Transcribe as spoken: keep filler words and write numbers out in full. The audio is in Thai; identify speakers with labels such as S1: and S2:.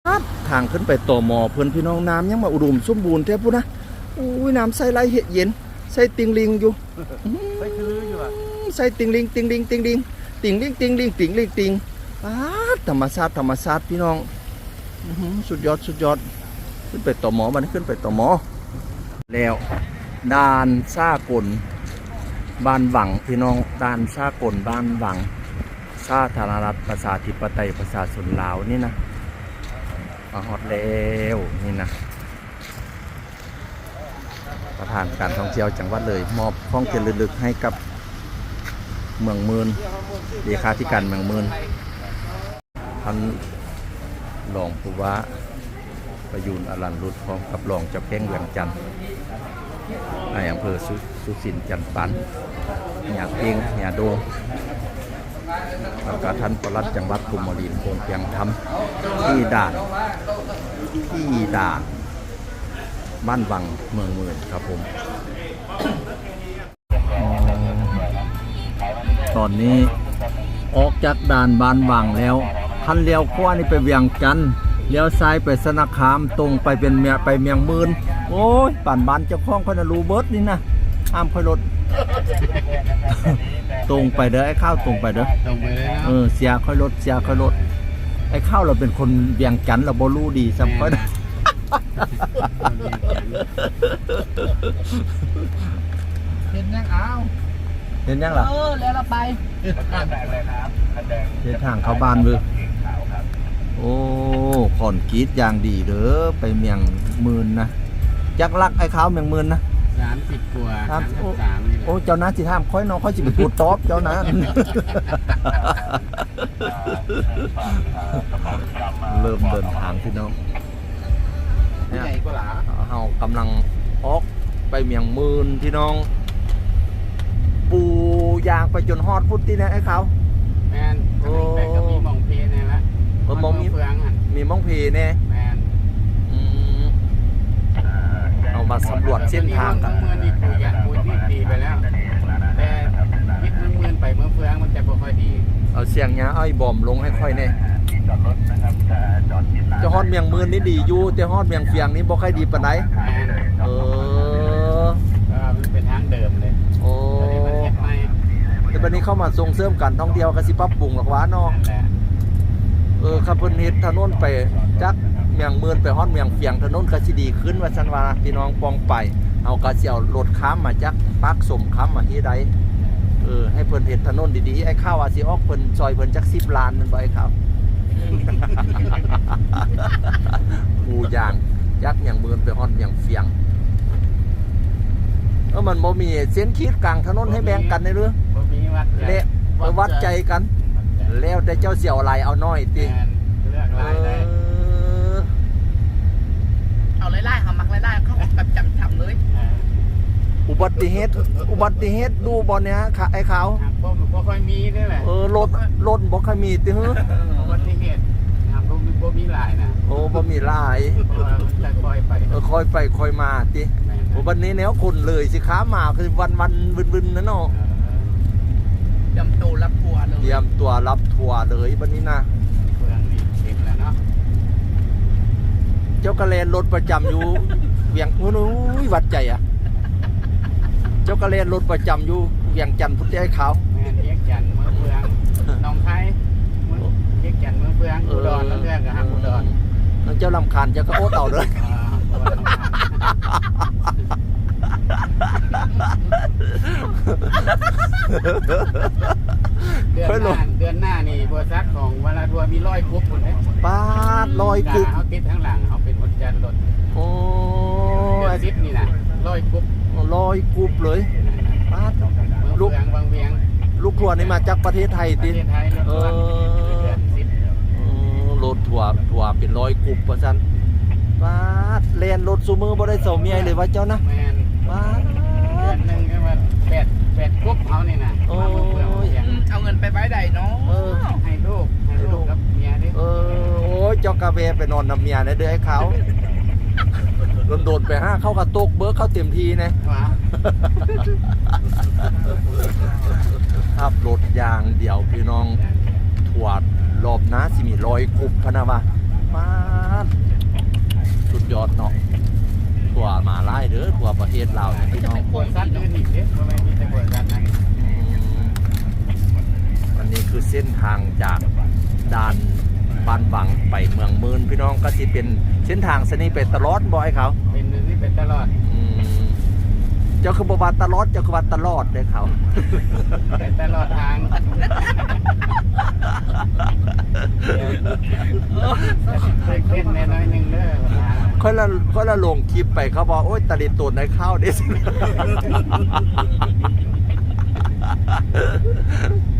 S1: ทางขึ้นไปต่อหมอเพื่อนพี่น้องน้ำยังมาอุดมสมบูรณ์แท้พูดนะอุ้ยน้ำใส่ไหลเห็ดเย็นใส่ติงลิงอยู่
S2: ใส่คืออยู่อ่ะ
S1: ใส่ติงลิงติงลิงติงลิงติงลิงติงลิงติงลิงติงธรรมชาติธรรมชาติพี่น้องสุดยอดสุดยอดขึ้นไปต่อหมอมันขึ้นไปต่อหมอแล้วด่านซากลบ้านหวังพี่น้องด่านซากลบ้านหวังสาธารณรัฐประชาธิปไตยประชาชนลาวนี่นะมาฮอดแล้วนี่นะประธานการท่องเที่ยวจังหวัดเลยมอบข้องเกียรติลึกให้กับเมืองมืนเลขาธิการเมืองมืนท่านรองผู้ว่าประยูนอรัญรุตพร้อมกับรองเจ้าแข้งเวียงจันทร์ในอำเภอสุสุสินจันทร์ปันหยาเพียงหยาโดแล้วก็ท่านปลัดจังหวัดภูมิรินทร์คงเพียงธรรมที่ด่านที่ด่านบ้านวังเมืองมืนครับผมตอนนี้ออกจากด่านบ้านวังแล้วท่านเลี้ยวขวานี่ไปเวียงจันทร์เลี้ยวซ้ายไปสนาคามตรงไปเป็นเมียไปเมียงมืนโอ้ยป่านบ้านเจ้าของคนรูเบิร์ตนี่นะห้ามค่อยรถ ตรงไปเด้อไอ้ข้าวตรงไปเด้อ
S2: ตรงไปเลยนะ
S1: เออเสียค่อยรถเสียค่อยรถไอ้ข้าวเราเป็นคนเวียงจันทร์เราบ่รู้ดีซ้ำค่อย
S2: เห็นยังเอา
S1: เห็นยังล่ะ
S2: เออแล้วเราไป
S1: เดินทางเข้าบ้านเว้ยโอ้ขอนกีดอย่างดีเด้อไปเมียงมืนนะจักรักไอ้ข้าวเมียงมืนนะ
S2: สามสิบกว่า
S1: สามสามโอ้เจ้าน้าสิท่ามค่อยน้องค่อยสิไปพูดตอบเจ้าน้าเริ่มเดินทางพี่น้อง
S2: เนี่ย
S1: เฮากำลังออกไปเมียงมืนพี่น้องปูยางไปจนฮอดพุทธินะไอ้เขา
S2: แมนโอ้ก็มีมองเพเนี่ยละ
S1: เออมองมีเฟืองมีมองเพเนี่ย
S2: แมน
S1: เอามาสำรวจเส้นทางกัน
S2: เมื่อนี่คุยกันคุยที่ดีไปแล้วแต่ยิดเมื่อไปเมื่อเฟืองมันจะบ่ค่อยดี
S1: เอาเสียงเนี้ยเอาบอมลงให้ค่อยเนี่ยจะฮอดเมียงมืนนี่ดีอยู่แต่ฮอดเมียงเฟียงนี่บ่ค่อยดีปานใดเออ
S2: มันเป็นทางเดิมเลย
S1: โอ้แต่บัดนี้เข้ามาส่งเสริมการท่องเที่ยวก็สิปรับปรุงหรอกว่าเนาะเออครับเพิ่นเฮ็ดถนนไปจักเมียงมืนไปฮอดเมียงเฟียงถนนก็สิดีขึ้นว่าซั่นว่าพี่น้องปองไปเอาก็สิเอารถค้ามมาจักปักสมค้ามมาที่ใดเออให้เพิ่นเฮ็ดถนนดีๆไอ้ข้าวว่าสิออกเพิ่นซอยเพิ่นจักสิบล้านนั่นบ่ไอ้ข้าวกูยางยักษ์อย่างมือไปฮอดอย่างเฟียงเออมันบ่มีเส้นขีดกลางถนนให้แบ่งกันในเรื่องเละไปวัดใจกันแล้วแต่เจ้าเสี่ยวไหลเอาน้อยติ
S2: เอาไล่ๆเขามักไล่ๆเขาแบบจับจับเลย
S1: อุบัติเหตุอุบัติเหตุดูบอลเนี้ยค่ะไอ้ขาว
S2: บ่ค่อยมีนี่แหละ
S1: เออรถรถบ่ค่อยมีติเฮ้อ
S2: อุบัติเหตุนะครับบ่มีบ่มีหลายนะ
S1: โอ้บ่มีหลาย
S2: แต่ค่อยไป
S1: เออค่อยไปค่อยมาติวันนี้แนวคนเลยสิค้ามาคือวันวันบึนๆนะเนาะ
S2: เตรียมตัวรับทัวร์เลย
S1: เตรียมตัวรับทัวร์เลยวันนี้นะ
S2: เมืองนี่เต็มแล้วเนาะ
S1: เจ้ากระเลนรถประจำอยู่เวียงโอ้ยวัดใจอ่ะเจ้ากระเลนรถประจำอยู่เวียงจันทร์พุทธไอ้ขาว
S2: แม่เวียงจันทร์เมืองเฟืองหนองคายเวียงจันทร์เมืองเฟืองอุดรแล้วเรื่องกับฮักอุดร
S1: เจ้าลำคาญเจ้าก็โอ๊ตเอาเลย
S2: เดือนหน้าเดือนหน้านี่บริษัทของวลาทัวร์มีร้อยคุบคนเลย
S1: ป้าร้อยคุบ
S2: เขาติดข้างหลังเขาเป็นคนจันรถ
S1: โอ้
S2: เดือนสิบนี่นะร้อยคุบ
S1: ร้อยคุบเลยป้า
S2: ลูกบางเวียง
S1: ลูกทัวร์นี่มาจากประเทศไทยติดเออรถทัวร์ทัวร์เป็นร้อยคุบเพราะฉะนั้นป้าเรียนรถซูมือบ่ได้เสาเมียเลยว่าเจ้านะป้า
S2: เดือนหนึ่งก็มาแปดแปดคุบเอานี่นะ
S1: โอ้ย
S2: เอาเงินไปไว้ใดเนาะให้ลูกให้ลูกกับเมียดิ
S1: เออโอ้ยเจ้ากาแฟไปนอนนำเมียนะเด้อไอ้เขาโดนๆไปห้าเข้ากระตกเบิร์กเข้าเต็มทีนะขับรถยางเดี่ยวพี่น้องถวดรอบนะสิมีรอยคุบพนะวะมาทศลาวเนี่ยพี่น้อง
S2: บริษัทอื่นอีกเด้อบ่แม่นมีแต่บริษัทนั้น
S1: อืมอันนี้คือเส้นทางจากด่านบ้านหวังไปเมืองมืนพี่น้องก็สิเป็นเส้นทางเส้นนี้ไปตลอดบ่ไอ้เขา
S2: เป็นนึงนี่เป็นตลอด
S1: อืมเจ้าคือบ่ว่าตลอดเจ้าคือว่าตลอดเลยเขา
S2: เป็นตลอดทางเคยเล่นแน่น้อยหนึงเด้อ
S1: ค่อยละค่อยละลงคลิปไปเขาบอกโอ๊ยตะลิตูนในข้าวเด้สิ